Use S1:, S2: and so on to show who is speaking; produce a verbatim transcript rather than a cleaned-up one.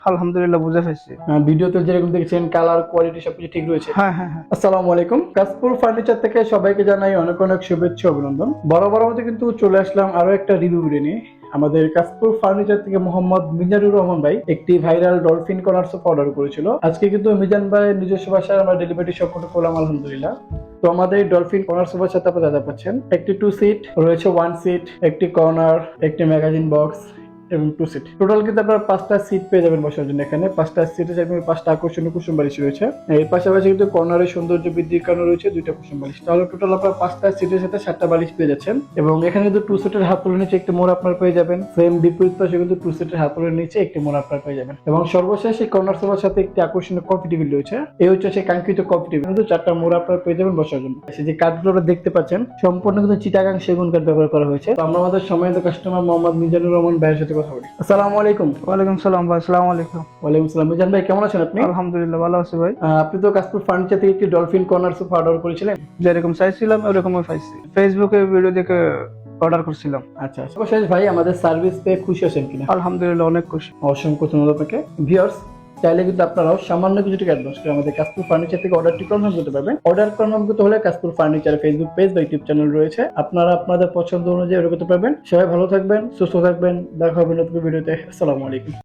S1: আলহামদুলিল্লাহ বুঝে ফেলছি।
S2: ভিডিওতে যেরকম দেখছেন কালার কোয়ালিটি সবকিছু ঠিক রয়েছে।
S1: হ্যাঁ হ্যাঁ হ্যাঁ।
S2: আসসালামু আলাইকুম, কাশপুর ফার্নিচার থেকে সবাইকে জানাই অনেক অনেক শুভেচ্ছা অভিনন্দন। বড় বড় মতো কিন্তু চলে আসলাম আরো একটা রিভিউ ভিডিও নিয়ে। আমাদের কাশপুর ফার্নিচার থেকে মোহাম্মদ মিজানুর রহমান ভাই একটি viral dolphin corner sofa order করেছিল। আজকে কিন্তু মিজান ভাই নিজস্ব ভাষায় আমরা ডেলিভারি সম্পূর্ণ করলাম আলহামদুলিল্লাহ। তো আমাদের এই ডলফিন কর্নার সোফার সাথে আপনারা যা পাচ্ছেন, একটি টু সিট রয়েছে, ওয়ান সিট, একটি কর্নার, একটি ম্যাগাজিন বক্স এবং টু সিট। টোটাল কিন্তু আপনারা পাঁচটা সিট পেয়ে যাবেন বসার জন্য। এখানে পাঁচটা সিটে চাইলে পাঁচটা আকর্ষণীয় কুসুম বালিশ রয়েছে। এর পাশাপাশি কিন্তু কর্নারের সৌন্দর্য বৃদ্ধির কারণে রয়েছে দুইটা কুসুম বালিশ। তাহলে টোটাল আপনারা পাঁচটা সিটের সাথে সাতটা বালিশ পেয়ে যাচ্ছেন। এবং এখানে কিন্তু টু সিটের হাত তুলে নিচে একটি মোড় আপনারা পেয়ে যাবেন। সেম বিপরীত পাশে কিন্তু টু সিটের হাত তুলে নিচে একটি মোড় আপনারা পেয়ে যাবেন। এবং সর্বশেষ এই কর্নার সোফার সাথে একটি আকর্ষণীয় কফি টেবিল রয়েছে। এই হচ্ছে সেই কাঙ্ক্ষিত কফি টেবিল, কিন্তু চারটা মোড় আপনারা পেয়ে যাবেন বসার জন্য। সেই যে কাঠগুলো আপনারা দেখতে পাচ্ছেন সম্পূর্ণ কিন্তু চিটাগাং সেগুন কাঠ ব্যবহার করা হয়েছে। তো আমরা আমাদের সম্মানিত কাস্টমার মোহাম্মদ মিজানুর রহমান ভাইয়ের সাথে কথা বলি। আসসালামু আলাইকুম।
S1: ওয়ালাইকুম সালাম ভাই। আসসালামু আলাইকুম।
S2: ওয়ালাইকুম সালাম। মিজান ভাই কেমন আছেন আপনি?
S1: আলহামদুলিল্লাহ ভালো আছি ভাই।
S2: আহ, আপনি তো কাশপুর ফার্নিচার থেকে একটি ডলফিন কর্নার সোফা অর্ডার করেছিলেন।
S1: যেরকম চাইছিলাম ওরকমই পাইছি। ফেসবুকে ভিডিও দেখে অর্ডার করছিলাম।
S2: আচ্ছা, সর্বশেষ ভাই আমাদের সার্ভিস পেয়ে খুশি আছেন কিনা?
S1: আলহামদুলিল্লাহ অনেক খুশি।
S2: অসংখ্য ধন্যবাদ আপনাকে। ভিউয়ার্স, চাইলে কিন্তু আপনারাও সামান্য কিছু টাকা অ্যাডভান্স করে আমাদের কাশপুর ফার্নিচার থেকে অর্ডারটি কনফার্ম করতে পারবেন। অর্ডার কনফার্ম করতে হলে কাশপুর ফার্নিচার ফেসবুক পেজ বা ইউটিউব চ্যানেল রয়েছে, আপনারা আপনাদের পছন্দ অনুযায়ী অর্ডার করতে পারবেন। সবাই ভালো থাকবেন, সুস্থ থাকবেন। দেখা হবে নতুন ভিডিওতে। আসসালামু আলাইকুম।